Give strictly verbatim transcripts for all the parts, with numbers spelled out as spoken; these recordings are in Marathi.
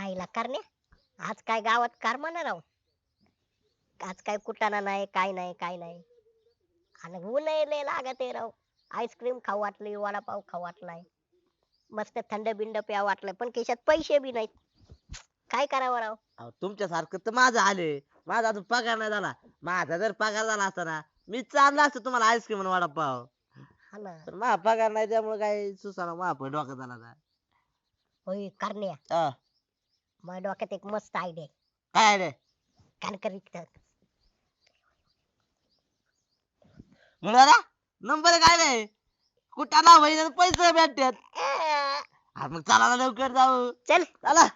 आईला करण्या आज काय गावात कारमाना राव. आज काय कुटाणा नाही काय नाही काय नाही. आणि ऊन लय लागत आहे राव. आईस्क्रीम खाऊ वाटली वडापाव खाऊ वाटलाय. मस्त थंड बिंड प्या वाटलं पण खिशात पैसे बी नाहीत. काय करावं राव. अहो, तुमच्यासारखं तर माझं आले. माझा अजून पगार नाही झाला. माझा जर पगार झाला असता ना मी चालला असतो तुम्हाला आईस्क्रीम आणि वडापाव. हा ना. पण माझा पगार नाही त्यामुळे काही सुसाना माझा पण डोक्यात आला ना. होय करण्या हा, माझ्या डोक्यात एक मस्त आयडिया काय रे कानकर विकतात. मुलाला नंबर काय रे कुठं ना होईना पैसे भेटतात. अं, हा, मग चला ना लवकर जाऊ. चल चला.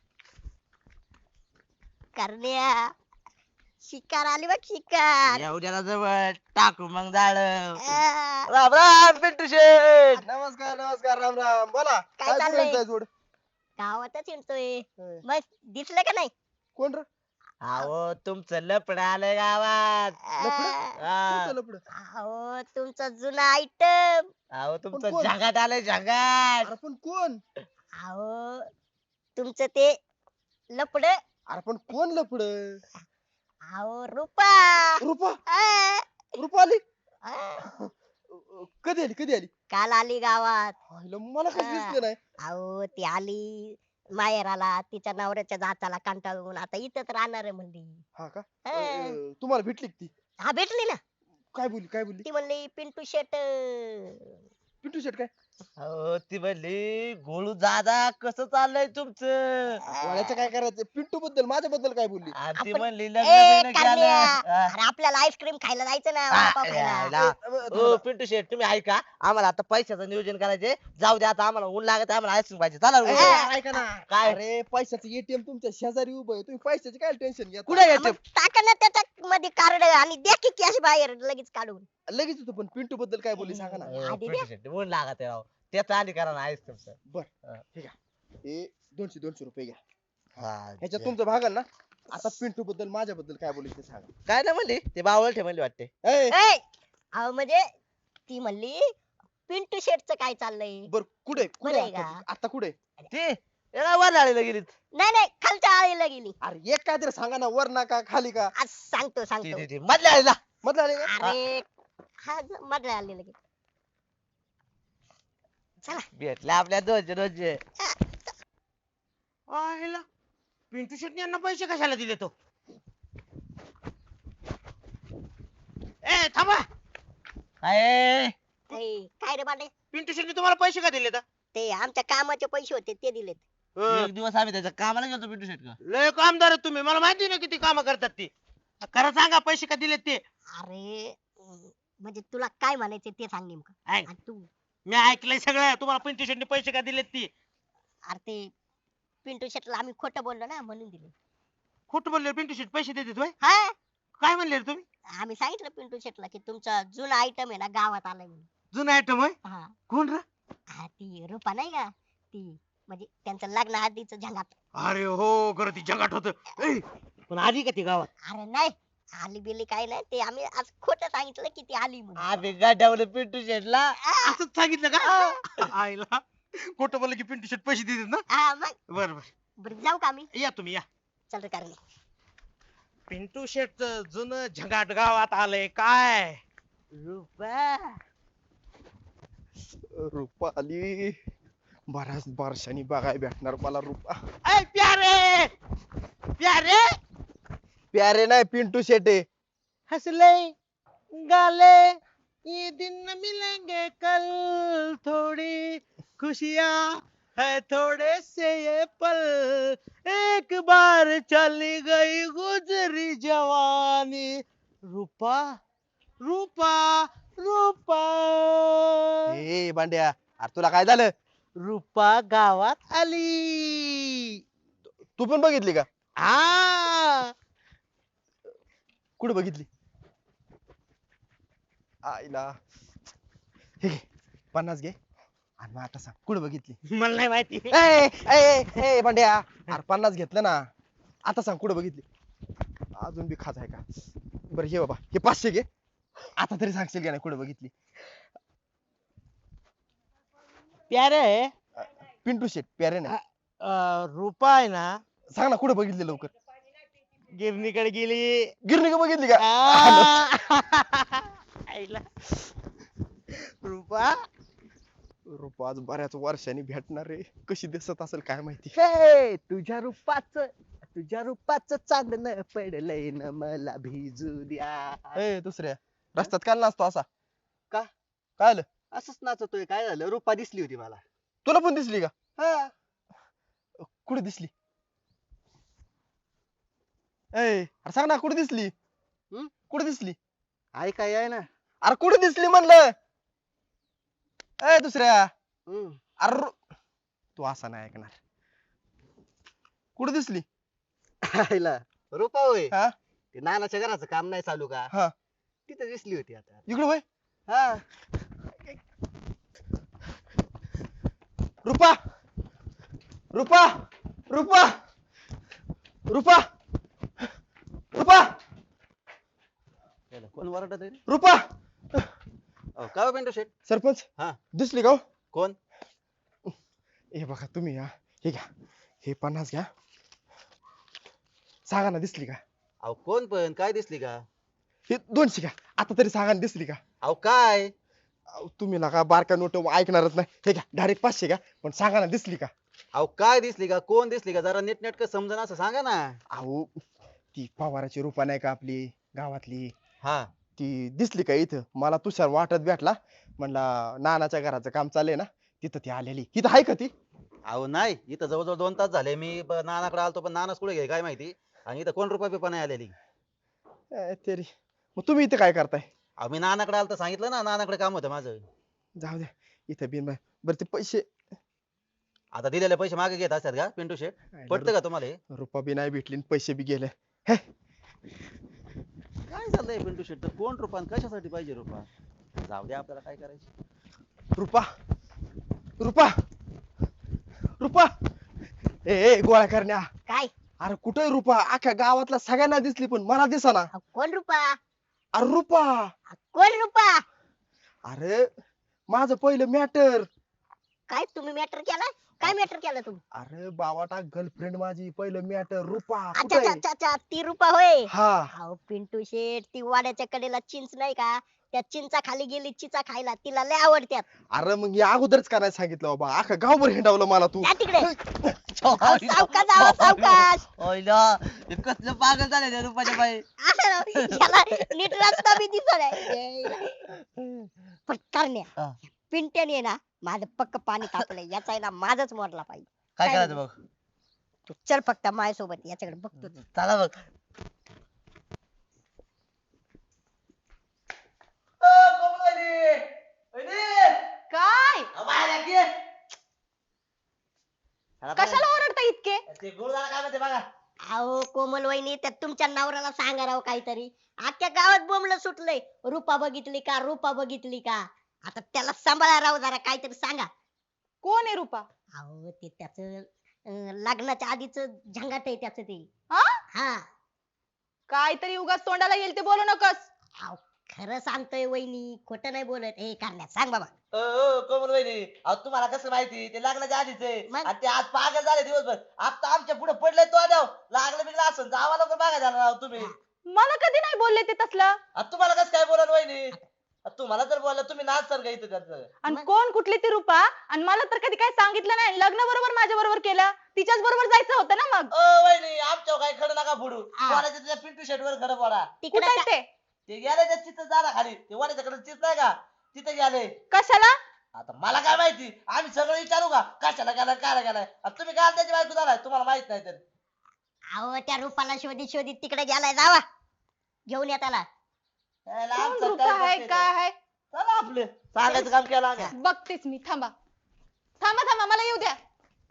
करण्या शिकार आली बघ शिकार. या उद्याला जवळ टाकू मग झाड. अं, राम राम पिंटू शेठ. नमस्कार नमस्कार राम राम बोला. काय काय चाललंय? चाललंय जोड गावातच हिंडतोय. होय. बस दिसलं का नाही. कोण रे अहो तुमचं लपड आलंय गावात. अं, हा. कोणतं लफडं? अहो तुमचा जुना आयटम. अहो तुमचं कोण? जगात आलंय जगात. अरे पण कोण अहो तुमचं ते लपड. अरे पण कोण लफड अहो रुपा. रुपा अं, रुपा आली अं, कधी आली कधी आली काल आली गावात. आईला मला कसं हा. दिसलं नाही अहो ती आली माहेराला तिच्या नवऱ्याच्या जाचाला कंटाळून आता इथंच राहणार आहे म्हणली. हा का हा. अं, तुम्हाला भेटली का ती हा भेटली ना. काय बोलली काय बोलली ती म्हणली पिंटू शेट. पिंटू शेट काय अहो ती म्हणली गोळू दादा कसं चाललंय तुमचं. वाड्याचं काय करायचं पिंटू बद्दल माझ्या बद्दल काय बोलली आणि ती आपण- म्हणली ए लग्न बिग्न करण्या. केलं. हा. अरे आपल्याला आईस्क्रीम खायला जायचं ना हा, वडापाव खायला. यायला. अं, ओ पिंटू शेठ तुम्ही ऐका आम्हाला आता पैशाचं नियोजन करायचे. जाऊ द्या आता आम्हाला ऊन लागत आम्हाला आईस्क्रीम पाहिजे. चला ए, उद्या. ऐका ना काय? अरे पैशाचं एटीएम तुमच्या शेजारी उभं आहे तुम्ही पैशाचे काय टेन्शन घ्या कुठे हा, घ्यायचे मग टाका ना त्याच्या मध्ये कार्ड आणि द्या की कॅश बाहेर लगेच काढून. लगेच येतो पण पिंटू बद्दल काय बोलली सांगा ना ए, आधी पिंटू शेठ ऊन लागत आहे राव. त्याचा आधी करा ना आईस्क्रीमचं. बर हा. ठीक आहे हे दोनशे दोनशे रुपये घ्या हा, ह्याच्यात जे. तुमचं भागल ना आता पिंटू बद्दल माझ्या बद्दल काय बोलली ते सांगा काय नाही म्हणली ते बावळ ठे म्हणली वाटते. ए, ए, अहो म्हणजे ती म्हणली पिंटू शेटचं काय चाललंय. बर कुठे कुठे बरं आहे आता का? आता कुठे ती याला वर आलेलं गेली. नाही नाही खालच्या आळीला गेली. अरे एक काय तरी सांगा ना वर ना का खाली का आज सांगतो ती सांगतो. ती- ती मधल्या आलेला. मधलं आले का अरे हा ज- मधल्या आली लगेच. चला भेटल्या आपल्या दोनशे दोनशे. आयला पिंटू शेट्टी यांना पैसे कशाला दिले तो ए थांबा काय ए, काय रे बांडे. पिंटू शेट्टी तुम्हाला पैसे का दिले ते आमच्या कामाचे पैसे होते ते दिलेत. एक दिवस आम्ही त्याच्या कामाला गेलो पिंटू शेट का. लय कामदार आहेत तुम्ही मला माहिती ना किती काम करतात ती खरं सांगा पैसे का दिलेत ते अरे अं, म्हणजे तुला काय म्हणायचे ते सांग नेमकं. ऐक, आणि तू मी ऐकलंय सगळं तुम्हाला पिंटू शेट्टी पैसे का दिलेत ती अरे ते पिंटू शेटला आम्ही खोटं बोललो ना म्हणून दिले. खोटं बोलले पिंटू शेट पैसे देतात होय हा काय म्हणले रे तुम्ही आम्ही सांगितलं पिंटू शेटला की तुमचा जुना आयटम आहे ना गावात आलाय म्हणून. जुना आयटम होय हा कोण रे हा, ती रुपा नाही का ती म्हणजे त्यांचं लग्न आधीच झंगाट. अरे हो खरं ती जगाट होत पण आधी का ती गावात अरे नाही आली बिली काय नाही ते आम्ही आज खोटं सांगितलं की ती आली म्हणून. आम्ही गाठवलं पिंटू शेटला. असंच सांगितलं का आईला खोटं बोललं की पिंटू शेट पैसे देतात ना हा मग बर बर बरं जाऊ का आम्ही. या तुम्ही या चल रे कारण पिंटू शेट जुनं झंगाट गावात आलंय काय रुपा रुपा आली बऱ्याच वर्षांनी बघाय भेटणार मला रुपा ऐ प्यारे प्यारे प्यारे नाही पिंटू शेटे हंसले गाले ये दिन मिलेंगे कल थोड़ी खुशियां है थोड़े से ये पल एक बार चली गई गुजरी जवानी रूपा रूपा रूपा ए बांड्या अरे तुला काय झालं रूपा गावात आली तू पण बघितली का हा कुठे बघितली आईला हे घे पन्नास घे आणि मग आता सांग कुठे बघितली मला नाही माहिती ए ए ए बांड्या अरे पन्नास घेतलं ना आता सांग कुठे बघितली अजून बी खात आहे का बरं हे बाबा हे पाचशे घे आता तरी सांगशील का नाही कुठे बघितली प्यारे पिंटू शेट प्यारे नाही अं, रुपा आहे ना सांग ना कुठे बघितली लवकर. गिरणीकडे गेली. गिरणी का बघितली का? आ! आईला. रुपा रुपा आज बऱ्याच वर्षांनी भेटणार रे, कशी दिसत असेल काय माहिती. हे तुझ्या रूपाच तुझ्या रूपाच चांदणं पडलंय न मला भिजू द्या. ए दुसऱ्या रस्त्यात काय नाचतो असा? का? काय आलं? असंच नाचतोय, काय झालं? रूपा दिसली होती मला. तुला पण दिसली का? हा. कुठे दिसली? ए अरे सांग ना कुठे दिसली? हम्म? कुठे दिसली? ऐकाय आहे ना. अरे कुठे दिसली म्हणलं? ए दुसऱ्या हम्म. अरे रु- तू असा नाही ऐकणार. कुठे दिसली? आईला रूपा होय. हा ते नानाच्या घराचं काम नाही चालू का? हा तिथे दिसली होती आता. इकडे होय. हा. रुपा रुपा रुपा रुपा रुपा याला कोण वरडत आहे रे? रुपा अहो, काय हो पिंटू शेट? सरपंच हा. दिसली का हो? कोण? हे बघा तुम्ही या हे घ्या, हे पन्नास घ्या. सांगा ना दिसली का? अहो कोण पण काय दिसली का? हे दोनशे घ्या, आता तरी सांगा ना दिसली का? अहो काय? अहो, तुम्ही ना का बारका नोट ऐकणारच नाही. हे घ्या डायरेक्ट पाचशे घ्या, पण सांगा ना दिसली का? अहो काय दिसली का? कोण दिसली का? जरा नीटनेटकं समजून असं सांगा ना. अहो ती पवाराची रुपा नाही का आपली गावातली, हा. ती दिसली का इथं? मला तुषार वाटत भेटला, म्हणला नानाच्या घराचं काम चाललंय ना तिथं ती आलेली. इथं आहे का ती? अहो नाही, इथं जवळजवळ दोन तास झाले मी ब- नानाकडे आलतो, पण नानाच कुठे गेले काय माहिती. आणि इथं कोण रुपया बिपा नाही आलेली. ए, तेरी मग तुम्ही इथं काय करताय? अहो मी नानाकडे आलतो सांगितलं ना, नानाकडे काम होतं माझं. जाऊ द्या, इथं बिन बरं ते पैसे. आता दिलेले पैसे मागे घेत असतात का पिंटू शेट? पटतं का तुम्हाला हे? रुपा बी नाही भेटली आणि पैसे बी गेले. काय चाललंय पिंटू शेट? तर कोण रुपा आणि कशासाठी पाहिजे रुपा? जाऊ द्या, आपल्याला काय करायचं. रुपा रुपा रुपा ए ए गोळ्या करण्या. काय? अरे कुठे रुपा? अख्ख्या गावातल्या सगळ्यांना दिसली पण मला दिसाना. अहो, कोण रुपा? अरे रुपा, कोण रुपा? अरे माझं पहिलं मॅटर. काय तुम्ही मॅटर केला? काय मॅटर केलं तुम्ही? अरे बावाटा गर्लफ्रेंड माझी, पहिलं मॅटर रुपा. अच्छा कुठे अच्छा आहे? अच्छा अच्छा, ती रुपा होय. हा अहो पिंटू शेठ, ती वाड्याच्या कडेला चिंच नाही का, त्या चिंचा खाली गेली चिचा खायला, तिला लय आवडत्यात. अरे मग या अगोदरच का नाही सांगितलं बाबा? अख्खा गावभर हिंडावलं मला तू. जा तिकडे. अहो, सावकाश जावा सावकाश. कसलं पागल झालं त्या रुपाच्या बाई. असं राव, याला नीट रस्ता बी दिसत आहे. पण करण्या, हा. पिंट्याने ना माझं पक्क पाणी तापलंय, याचा आहे ना माझच मोडला पाहिजे. काय काय करायचं बघ. तू चल फक्त माझ्यासोबत, याच्याकडे बघतो. चला बघ. काय? कशाला ओरडता इतके? ते गुरुदारा काय म्हणते बघा. अहो कोमल वहिनी, त्या तुमच्या नवऱ्याला सांगा राव काहीतरी. अख्ख्या गावात बोंबलं सुटलंय, रूपा बघितली का, रूपा बघितली का. आता त्याला सांभाळा राव जरा, काहीतरी सांगा. कोण आहे रूपा? अहो ते त्याच लग्नाच्या आधीच झंगाट आहे त्याच ते. हा? हा. काहीतरी उगाच तोंडाला येईल ते बोलू नकस. अहो खरं सांगतोय वहिनी, खोटं नाही बोलत. हे करण्यात सांग बाबा. ओ, ओ, कोमल वहिनी, अहो तुम्हाला कसं माहिती? ते लग्नाच्या आधीच आहे. मग? आणि ते आज पागल झाले दिवसभर. आता आमच्या पुढे पडले तो द्याव. लागलं बिगलं असं जावा लवकर बघा झाला राव तुम्ही. मला कधी नाही बोलले ते तसलं. आता तुम्हाला कसं काय बोला वहिनी? आता तुम्हाला जर बोललं तुम्ही नाच सर का इथं त्याचं. आणि मग? कोण कुठली ती रूपा? आणि मला तर कधी काय सांगितलं नाही. लग्न बरोबर माझ्या बरोबर केलं, तिच्याच बरोबर जायचं होतं ना मग. ओ वहिनी, आमच्यावर काही खडं नका फोडू. हा. पोराच्या तुझ्या पिंटू शेट वर खडं फोडा. तिकडे कुठे का- ते? ते गेले त्या चित्र जाणार खाली. ते वाड्याच्याकडे चित्र नाही का? तिथे गेले. कशाला? आता मला काय माहिती? आम्ही सगळं विचारू का? कशाला गेलाय, काय गेलाय? आता तुम्ही काय त्याची बायको झालाय, तुम्हाला माहित नाही तर. अहो त्या रूपाला शोधित शोधित तिकडे गेलाय, जावा घेऊन या त्याला. याला कोण आमचं रूपा काय आहे बघते काय ते. आहे? चला आपलं सांगायचं काम केलं आम्ही. बघतेच मी. थांबा थांबा थांबा, मला येऊ द्या.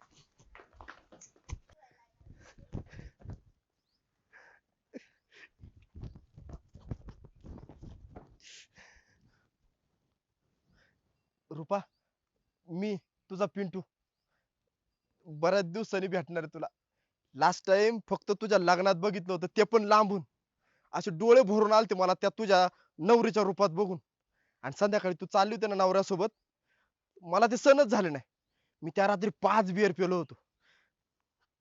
रुपा, मी तुझा पिंटू बऱ्याच दिवसांनी भेटणार आहे तुला. लास्ट टाइम फक्त तुझ्या लग्नात बघितलं होतं, ते पण लांबून. असे डोळे भरून आलते मला त्या तुझ्या नवरीच्या रूपात बघून. आणि संध्याकाळी तू चालली होती ना नवऱ्यासोबत, मला ते सहनच झालं नाही. मी त्या रात्री पाच बिअर पेलो होतो.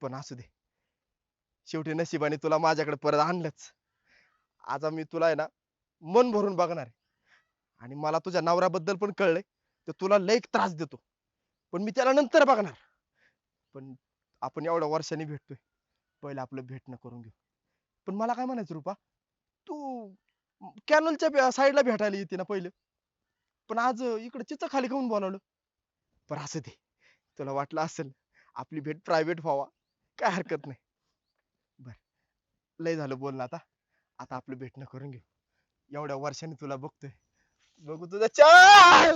पण असू दे, शेवटी नशिबाने तुला माझ्याकडे परत आणलंच. आज मी तुला आहे ना मन भरून बघणार आहे. आणि मला तुझ्या नवऱ्याबद्दल पण कळलंय तर तुला लई त्रास देतो, पण मी त्याला नंतर बघणार. पण आपण एवढ्या वर्षांनी भेटतोय, पहिलं आपलं भेटणं करून घेऊ. पण मला काय म्हणायचं रुपा, तू कॅनलच्या साईडला भेटायला येते ना पहिलं, पण आज इकडे चिचा खाली खाऊन बोलावलं. पण असं दे, तुला वाटलं असेल आपली भेट प्रायव्हेट व्हावा, काय हरकत नाही. बर, लय झालं बोलणं, आता आता आपलं भेटणं करून घेऊ. एवढ्या वर्षांनी तुला बघतोय, बघू तुझा चाल.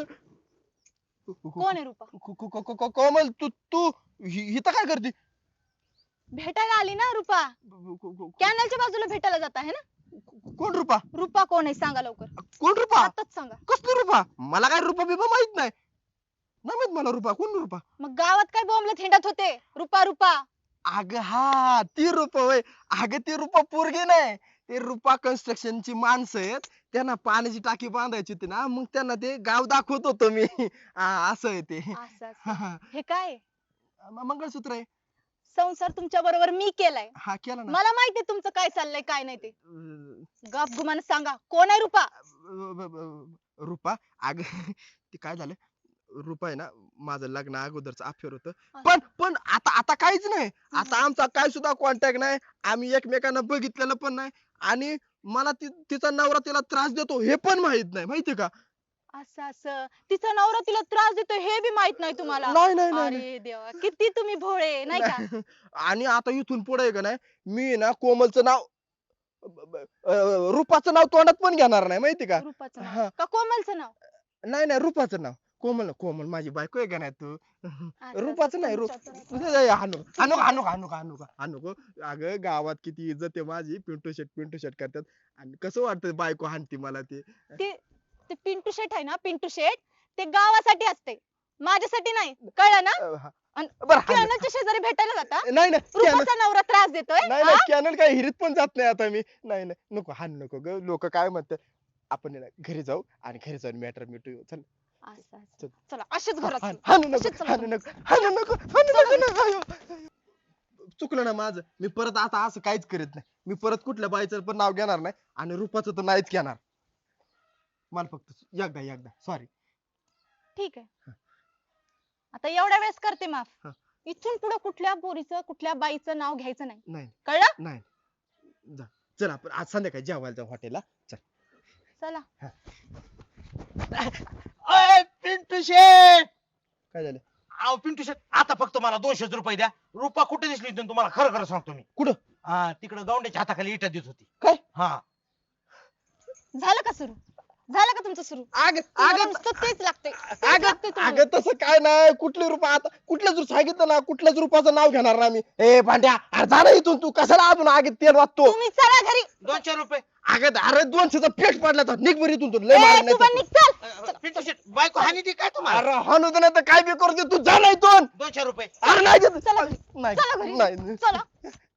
कोण आहे रुपा? को- को- को- को- कोमल, तू तू हि- इथं काय करते? भेटायला आली ना रुपा. को- को- को- कॅनलच्या बाजूला भेटायला जात आहे ना. कोण रुपा? रुपा कोण आहे सांगा लवकर. कोण रुपा? आताच सांगा. कसली रुपा? मला काय रुपा बिपा माहित नाही. नाही माहित मला रुपा. कोण रुपा? मग गावात काय बोंबलत हिंडत होते रुपा रुपा. अग हा, ती रुपा होय. अगं ती रुपा पोरगी नाही, ते रुपा कन्स्ट्रक्शनची माणसं आहेत. त्यांना पाण्याची टाकी बांधायची होती ना, मग त्यांना ते गाव दाखवत होतो मी. हा, असं आहे ते. असं हा, असं. हा. हे काय आहे? म- मंगळसूत्र आहे. संसार तुमच्या बरोबर मी केलाय. हा, केला ना. मला माहितीये तुमचं काय चाललंय काय नाही ते. अं, गप गुमान सांगा कोण आहे रुपा. ब- ब- रुपा, अग ते काय झालं, रुपा आहे ना माझं लग्न अगोदरच अफेअर होतं. पण पण आता आता काहीच नाही. आता आमचा काय सुद्धा कॉन्टॅक्ट नाही. आम्ही एकमेकांना बघितलेलं पण नाही. आणि मला ती तिचा नवरा तिला त्रास देतो हे पण माहित नाही, माहितीये का? असं असं तिचा नवरा तिला त्रास देतो हे बी माहित नाही तुम्हाला. नाही नाही नाही नाही. अरे देवा किती तुम्ही भोळे नाही का. आणि आता इथून पुढे का नाही, मी ना कोमलचं नाव ब- ब- अं, रूपाचं नाव तोंडात पण घेणार नाही, माहिती का? रुपाचं हा. नाव का कोमलचं नाव. नाही नाही, रूपाचं नाव. कोमल कोमल माझी बायको आहे का नाही तू? असं रूपाचं नाही, रूप तुमच्या तर- हानू हानू हानू हानू हानू हानू अगं गावात किती इज्जत आहे माझी. पिंटू शेट पिंटू शेट करतात आणि कसं वाटतं बायको हानती मला ते. ते ते पिंटू शेट आहे ना पिंटू शेट ते गावासाठी असते माझ्यासाठी नाही कळलं ना. अं, हा. अन बरं हाणू. कॅनलच्या शेजारी भेटायला जाता. नाही नाही कॅनल रुपाचा नवरा त्रास देतोय. नाही नाही कॅनल काय हिरीत पण जात नाही आता मी. नाही नाही नको, हान नको ग. लोक काय म्हणतात. आपण आहे ना घरी जाऊ आणि घरी जाऊन मॅटर मिटू. चल असं असं. चला असेच घरात हाण- चला. हाणू नको असेच चला हाणू घरात. नको हाणू नको हाणू नको ना. आयो, आयो. चुकलं ना माझं. मी परत आता असं काहीच करीत नाही. मी परत कुठल्या बाईचं पण नाव घेणार नाही आणि रूपाचं तर नाहीच घेणार. मला फक्त एकदा एकदा सॉरी. ठीक आहे आता एवढ्या वेळेस करते माफ. हा. इथून पुढे कुठल्या पोरीचं कुठल्या बाईचं नाव घ्यायचं नाही नाही कळलं. नाही जा. चल आपण आज संध्याकाळी जेवायला जाऊ हॉटेलला. चल. चला. अय पिंटू शेट. काय झालं? अहो पिंटू शेट आता फक्त मला दोनशेच रुपये द्या. रुपा कुठे दिसली होती तुम्हाला खरं खरं सांगतो मी. कुठं? हा तिकडे गौंड्याच्या हाताखाली इटा देत होती. काय? हा झालं का सुरू झालं का तुमचं सुरू. अग तुम्हाला अग नुसतं तेच लागतंय तेच अगं लागतंय तुम्हाला. अगं तसं काय नाही. कुठले रुपये आता कुठल्याच रूप सांगितलं ना, कुठल्याच रूपाचं नाव घेणार ना मी. ए भांड्या, अरे जा ना इथून. तू कशाला अजून आगीत तेल वाचतो? तुम्ही चला घरी. दोनशे रुपये. अगं अरे दोनशेचा पेट पडला तर निघ बरी इथून. तू लय ए, मार तू पण नाही. निघ, चल. अ, पिंटू शेट बायको हानी ती काय तुम्हाला. अरे हाणू दे नाही तर काय बी करू दे. तू जा ना इथून. दोनशे रुपये. अरे नाही देत. चला घरी. नाही चला घरी. नाही चला